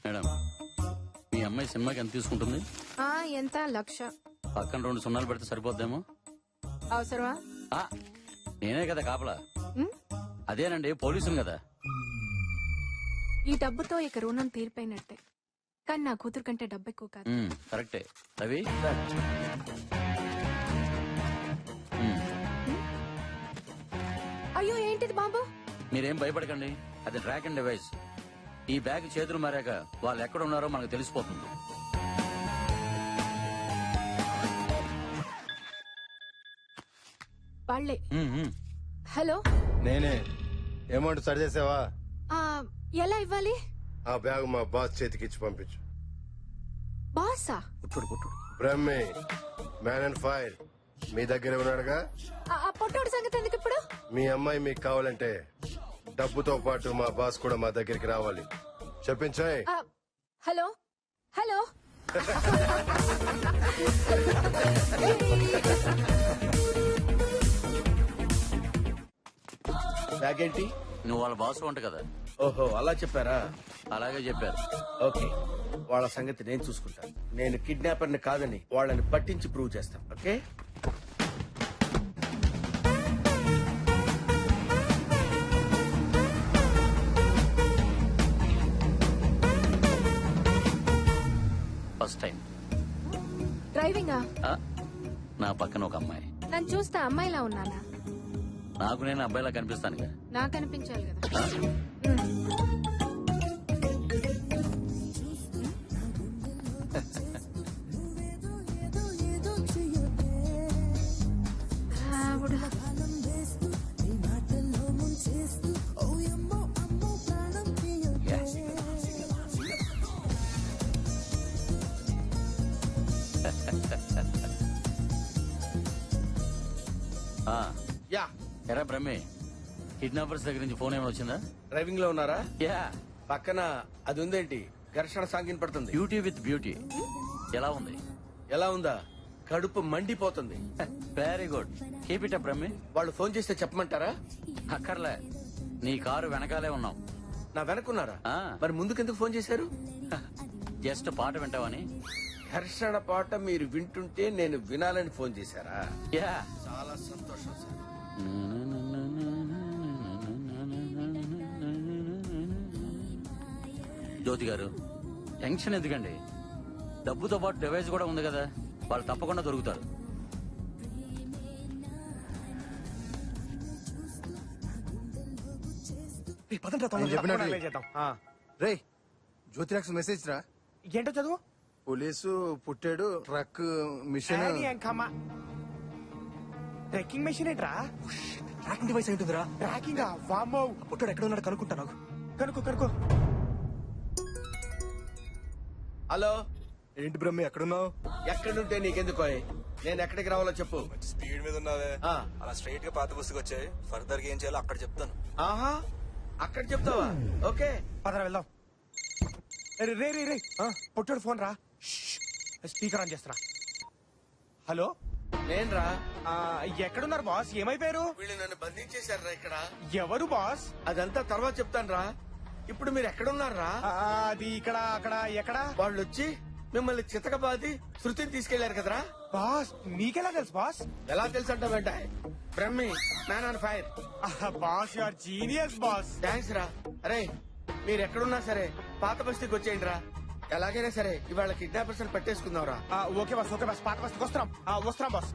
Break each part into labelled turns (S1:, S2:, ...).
S1: Madam, మీ అమ్మాయి సినిమాకి ఎంత తీసుకుంటుంది?
S2: ఎంత 1,00,000.
S1: పక్కన 2 సున్నాలు పెడితే సరిపోద్దేమో.
S2: అవసరమా?
S1: ఆ, నేనే కదా కాపలా.
S2: ఉమ్,
S1: అదేనండి, పోలీసులు కదా.
S2: ఈ డబ్బుతో ఇక రుణం తీరిపోయినట్టే. కానీ నా కూతురు కంటే డబ్బు ఎక్కువ కాదు.
S1: కరెక్టే. రవి,
S2: అయ్యో ఏంటిది బాబు?
S1: మీరేం భయపడకండి, అది ట్రాక్ అండ్ డివైస్. ఈ బ్యాగ్ చేతులు మారాక వాళ్ళు ఎక్కడ ఉన్నారో మనకు తెలిసిపోతుంది.
S2: వాళ్ళే.
S1: ఉమ్, ఉమ్.
S2: హలో,
S3: నేనే. అమౌంట్ సరి చేసావా?
S2: ఆ, ఎలా ఇవ్వాలి?
S3: ఆ బ్యాగ్ మా బాస్ చేతికి ఇచ్చి పంపించు.
S2: బాసా?
S1: పుట్టుడు.
S3: బ్రహ్మి, మ్యాన్ అండ్ ఫైర్ మీ దగ్గర ఉన్నాడుగా.
S2: ఆ పొట్టోడు సంగతి ఎందుకు ఇప్పుడు?
S3: మీ అమ్మాయి మీకు కావాలంటే డబ్బుతో పాటు మా బాస్ కూడా మా దగ్గరికి రావాలి. చెప్పించాయి.
S2: Hello hello.
S4: బ్యాగ్ ఏంటి?
S1: నువ్వు వాళ్ళ బాస్ వంట కదా.
S4: ఓహో, అలా చెప్పారా?
S1: అలాగే చెప్పారు.
S4: ఓకే, వాళ్ళ సంగతి నేను చూసుకుంటాను. నేను కిడ్నాపర్ని కాదని వాళ్ళని పట్టించి ప్రూవ్ చేస్తాను. Okay,
S1: first time.
S2: డ్రైవింగా?
S1: నా పక్కన ఒక అమ్మాయి.
S2: నన్ను చూస్తే అమ్మాయిలా ఉన్నానా?
S1: నాకు నేను అబ్బాయిలా కనిపిస్తానుగా.
S2: నాకు అనిపించాలి కదా. ఆవిడ.
S4: యా.
S1: ఎరా బ్రహ్మే, కిడ్నాపర్స్ దగ్గర నుంచి ఫోన్ ఏమైనా వచ్చిందా?
S4: డ్రైవింగ్ లో ఉన్నారా?
S1: యా.
S4: పక్కన అది ఉందేంటి? ఘర్షణ సాంగిన్ పడుతుంది.
S1: Beauty with beauty. ఎలా ఉంది?
S4: ఎలా ఉందా? కడుపు మండిపోతుంది.
S1: Very good, keep it up బ్రహ్మే.
S4: వాళ్ళు ఫోన్ చేస్తే చెప్పమంటారా?
S1: అక్కర్లే, నీ కారు వెనకాలే ఉన్నాం.
S4: నా వెనకున్నారా?
S1: ఆ.
S4: మరి ముందుకెందుకు ఫోన్ చేశారు?
S1: జస్ట్ పాట వింటావని.
S4: ఘర్షణ పాట మీరు వింటుంటే నేను వినాలని ఫోన్ చేశారా?
S1: యా.
S4: చాలా సంతోషం సార్.
S1: జ్యోతి గారు, టెన్షన్ ఎందుకండి? డబ్బుతో పాటు డివైస్ కూడా ఉంది కదా, వాళ్ళు తప్పకుండా దొరుకుతారు.
S3: రే, జ్యోతిరాక్స్ మెసేజ్ రా.
S5: ఏంటో చదువు.
S3: పోలీసు పుట్టాడు, ట్రక్ మిషన్.
S5: ట్రెక్కింగ్ మెషిన్ ఏంట్రా?
S6: ట్రాకింగ్ డివైస్ ఏంటిదిరా?
S5: ట్రాకింగ్ వామ్మో.
S6: పుట్టాడు ఎక్కడ ఉన్నాడు కనుక్కుంటా. నాకు
S5: కనుకో.
S4: హలో,
S3: ఏంటి బ్రహ్మి ఎక్కడున్నావు?
S4: ఎక్కడుంటే నీకెందుకో? నేను ఎక్కడికి రావాలో చెప్పు.
S6: స్పీడ్ మీద ఉన్నావే,
S4: ఆ.
S6: అలా స్ట్రైట్ గా పాత బస్సుకి వచ్చాయి. ఫర్దర్ గా ఏం చేయాలో అక్కడ చెప్తాను.
S4: ఆహా, అక్కడ చెప్తావా? ఓకే,
S5: పదరా వెళ్దాం. రే రే రే, పొట్టాడు ఫోన్ రా. స్పీకర్ ఆన్ చేస్తున్నా. హలో,
S4: నేనురా.
S5: ఎక్కడున్నారు బాస్? ఏమైపోయారు?
S4: వీళ్ళు నన్ను బంధించేశారా ఇక్కడ?
S5: ఎవరు బాస్?
S4: అదంతా తర్వాత చెప్తాను రా. ఇప్పుడు మీరు ఎక్కడున్నారా?
S5: అది ఇక్కడ అక్కడ ఎక్కడ?
S4: వాళ్ళు వచ్చి మిమ్మల్ని చితకబాది శృతిని తీసుకెళ్లారు కదరా.
S5: బాస్ మీకెలా తెలుసు బాస్?
S4: ఎలా తెలుసు అంటావేంట? Brahmi, man on fire.
S5: Boss you are genius boss.
S4: Thanks రా. అరే, మీరు ఎక్కడున్నా సరే పాత బస్తీకి వచ్చేయండి రా. ఎలాగైనా సరే ఇవాళ కిడ్నాపర్స్ పట్టేసుకుందాం రా.
S5: Okay boss, okay boss. పాత బస్కి వస్తున్నాం. వస్తున్నాం బాస్.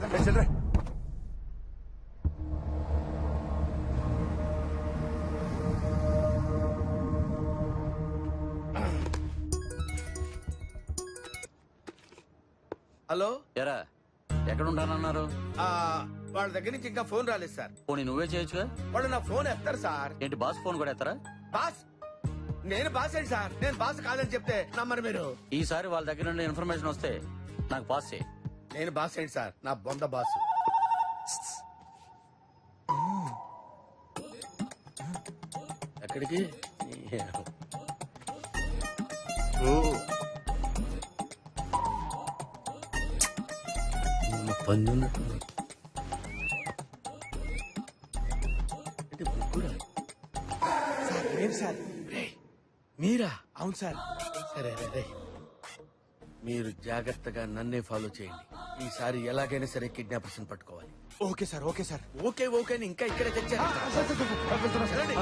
S4: హలో.
S1: ఎరా, ఎక్కడ ఉంటానన్నారు?
S4: వాళ్ళ దగ్గర నుంచి ఇంకా ఫోన్ రాలేదు సార్.
S1: పోనీ నువ్వే చేయొచ్చుగా.
S4: వాళ్ళు నా ఫోన్ ఎత్తారు సార్.
S1: ఏంటి, బాస్ ఫోన్ కూడా ఎత్తరా?
S4: బాస్, నేను బాస్ ఏంటి సార్? నేను బాస్ కాదని చెప్తే నమ్మరు మీరు.
S1: ఈసారి వాళ్ళ దగ్గర నుండి ఇన్ఫర్మేషన్ వస్తే నాకు పాస్ చేయి.
S4: నేను బాస్ ఏంటి సార్? నా బొంద బాస్. ఎక్కడికి?
S5: సార్, లేదు సార్.
S4: మీరా?
S5: అవును సార్.
S4: సరే రే, రే. మీరు జాగ్రత్తగా నన్నే ఫాలో చేయండి. ఈసారి ఎలాగైనా సరే కిడ్నాపర్స్ పట్టుకోవాలి.
S5: Okay sir okay sir.
S4: Okay okay అని ఇంకా ఇక్కడే తెచ్చారు. రండి.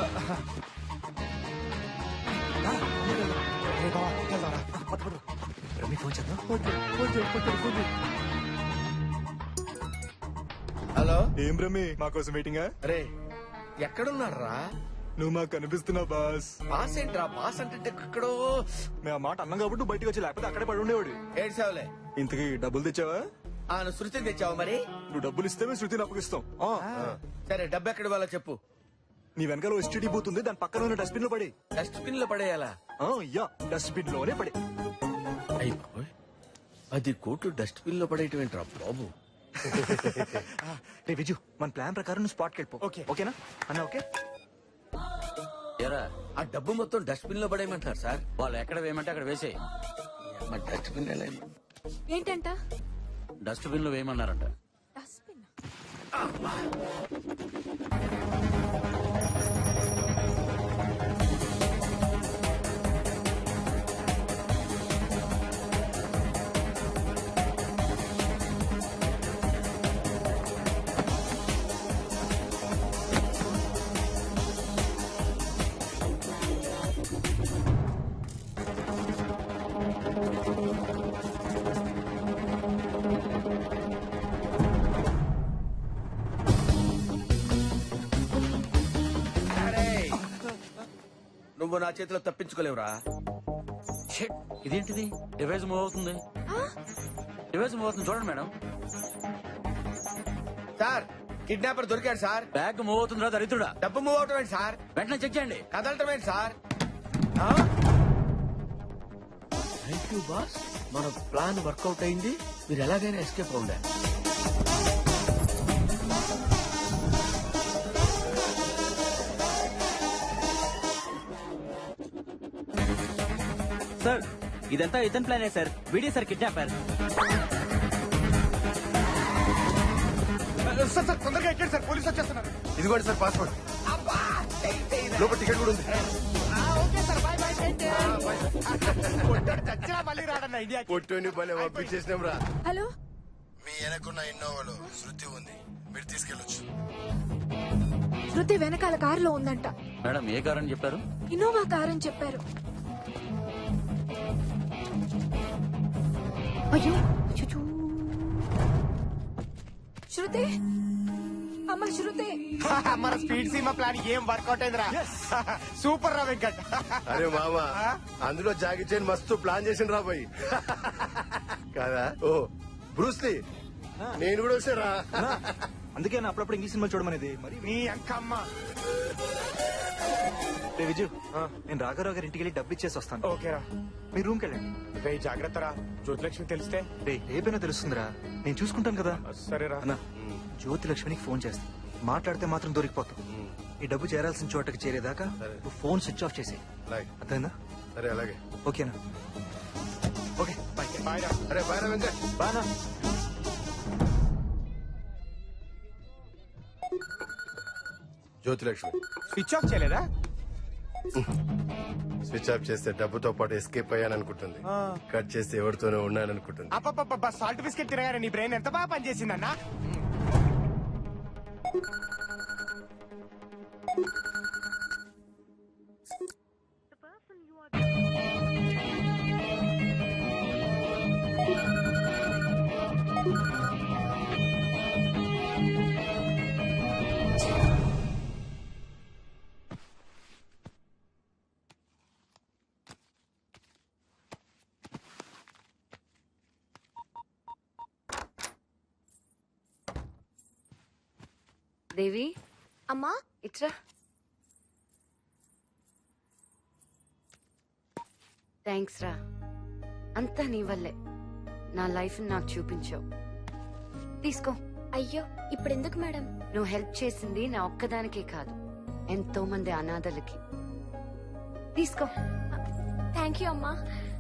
S4: హలో
S6: ఏం రమ్మి మా కోసం వెయిటింగా?
S4: రే ఎక్కడున్నారా?
S6: నువ్వు మాకు కనిపిస్తున్నావు బాస్.
S4: బాస్ ఏంట్రా? బాస్ అంటే ఎక్కడో
S6: మేము ఆ మాట అన్నాం కాబట్టి బయటకు వచ్చి లేకపోతే అక్కడే పడి ఉండేవాడు.
S4: ఏడ్చావులే.
S6: ఇంతకీ డబ్బులు తెచ్చావా?
S4: నువ్వు శృతిని తెచ్చావు మరి?
S6: నువ్వు డబ్బులు ఇస్తే మేము శృతిని అప్పగిస్తాం.
S4: సరే డబ్బు ఎక్కడ వాళ్ళ చెప్పు.
S6: నీ వెనకాల ఎస్టీడీ బూత్ ఉంది, దాని పక్కన ఉన్న డస్ట్బిన్ లో పడి.
S4: డస్ట్బిన్ లో పడేయాలా?
S6: యా డస్ట్బిన్ లోనే పడి.
S4: అయ్యి బాబోయ్, 10 కోట్లు డస్ట్బిన్ లో పడేయటం ఏంట్రా బాబు?
S6: రే విజు, మన ప్లాన్ ప్రకారం నువ్వు స్పాట్కి వెళ్ళిపో.
S5: ఓకే.
S6: ఓకేనా అన్న? ఓకే.
S1: ఎరా
S4: ఆ డబ్బు మొత్తం డస్ట్బిన్ లో పడేయమంటారు సార్.
S1: వాళ్ళు ఎక్కడ వేయమంటే అక్కడ వేసేయి.
S4: మరి డస్ట్బిన్ ఎలా
S2: ఏంటంట?
S1: డస్ట్బిన్ లో వేయమన్నారంట.
S2: డస్ట్బిన్.
S4: నువ్వు నా చేతిలో తప్పించుకోలేవురా.
S1: షిట్, ఇదేంటిది? డివైస్ మూవ్ అవుతుంది. డివైస్ మూవ్ అవుతుంది చూడండి మేడం.
S4: సార్ కిడ్నాపర్ దొరికాడు సార్.
S1: బ్యాగ్ మూవ్ అవుతుందిరా దరిద్రుడా.
S4: డబ్బు మూవ్ అవటం ఏంటి సార్?
S1: వెంటనే చెక్ చేయండి.
S4: కదలటం ఏంటి సార్? థ్యాంక్ యూ బాస్, మన ప్లాన్ వర్కౌట్ అయింది. మీరు ఎలాగైనా ఎస్కేప్ అవ్వండి.
S7: సార్ ఇదంతా ఇతని ప్లానే sir. Video sir kidnapper.
S5: Sir sir తొందరగా ఎక్కండి సార్, పోలీసు వచ్చేస్తున్నారు.
S3: ఇదిగోండి సార్ పాస్పోర్ట్. లోపల టికెట్ కూడా ఉంది.
S5: చచ్చినా మళ్ళీ రాడన్న ఇండియా.
S3: పొట్టుని భలే పంపించేసినాం రా.
S2: హలో,
S3: మీ వెనకున్న ఇన్నోవాలో శృతి ఉంది, మీరు తీసుకెళ్ళొచ్చు.
S2: శృతి వెనకాల కారులో ఉందంట.
S1: మేడం ఏ కార్ అని చెప్పారు?
S2: ఇన్నోవా కార్ అని చెప్పారు. అయ్యో అచ్చచ్చో. శృతి, అమ్మ శృతి.
S5: మన స్పీడ్ సీమా ప్లాన్ ఏం వర్కౌట్ అయిందిరా. సూపర్ రా వెంకట్.
S3: అరే మామ, అందులో జాగి చైన్ మస్తు ప్లాన్ చేసిన రా పోయి కాదా? ఓ బ్రూస్లీ, నేను కూడా వచ్చారా?
S6: అందుకే నా అప్పుడప్పుడు ఇంగ్లీష్ సినిమాలు చూడమనేది. మరి
S5: నీ అంకమ్మ.
S6: రే విజు, నేను రాఘరావు గారి ఇంటికి వెళ్ళి డబ్బు ఇచ్చేసి వస్తాను.
S5: ఓకేరా,
S6: మీ రూమ్కి వెళ్ళండి.
S5: రే జాగ్రత్త రా, జ్యోతిలక్ష్మి తెలిస్తే.
S6: రే రేపైనా తెలుస్తుందిరా, నేను చూసుకుంటాను కదా.
S5: సరేరా.
S6: అన్నా, జ్యోతి లక్ష్మికి ఫోన్ చేస్తా. మాట్లాడితే మాత్రం దొరికిపోతాం. ఈ డబ్బు చేరాల్సిన చోటకి చేరేదాకా నువ్వు ఫోన్ స్విచ్ ఆఫ్ చేసి.
S3: అలాగే.
S6: అర్థమైందా?
S3: సరే అలాగే.
S6: ఓకేనా? Okay bye.
S5: బాయ్ రా.
S3: అరే బాయ్ రా వెంకట్.
S6: బానా.
S3: జ్యోతిలక్ష్మి
S5: స్విచ్ ఆఫ్ చేయలేదా?
S3: స్విచ్ ఆఫ్ చేస్తే డబ్బుతో పాటు ఎస్కేప్ అయ్యాననుకుంటుంది. కట్ చేస్తే ఎవరితోనే ఉన్నాననుకుంటుంది.
S5: అప్ప సాల్ట్ బిస్కెట్ తినగానే నీ బ్రెయిన్ ఎంత బాగా పనిచేసిందన్నా.
S8: దేవి,
S2: అమ్మా
S8: ఇట్రా. థ్యాంక్స్ రా, అంతా నీ వల్లే. నా లైఫ్ నాకు చూపించావు. తీసుకో.
S2: అయ్యో ఇప్పుడెందుకు మేడం?
S8: నువ్వు హెల్ప్ చేసింది నా ఒక్కదానికే కాదు, ఎంతో మంది అనాథలకి. తీసుకో.
S2: థ్యాంక్ యూ అమ్మా.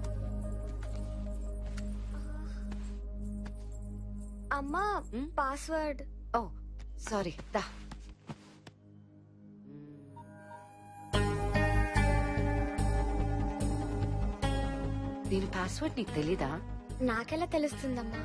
S2: అమ్మా పాస్వర్డ్.
S8: ఓ సారీ, దా. దీని పాస్వర్డ్ నీకు తెలీదా?
S9: నాకెలా తెలుస్తుందమ్మా?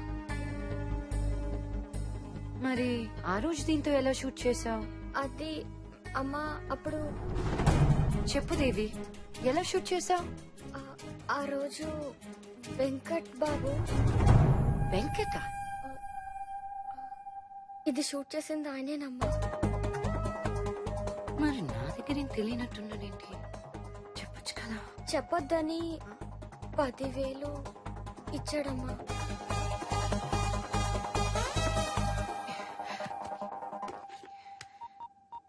S8: మరి ఆ రోజు దీంతో ఎలా షూట్ చేసావు?
S9: అది అమ్మా అప్పుడు
S8: చెప్పు దేవి, ఎలా షూట్ చేసావు?
S9: ఆ రోజు వెంకట్ బాబు
S8: వెంకట
S9: ఇది షూట్ చేసింది ఆయనేనమ్మా.
S8: మరి నా దగ్గర ఏం తెలియనట్టున్నాడేంటి? చెప్పొచ్చు కదా.
S9: చెప్పొద్దని 10,000 ఇచ్చాడమ్మా.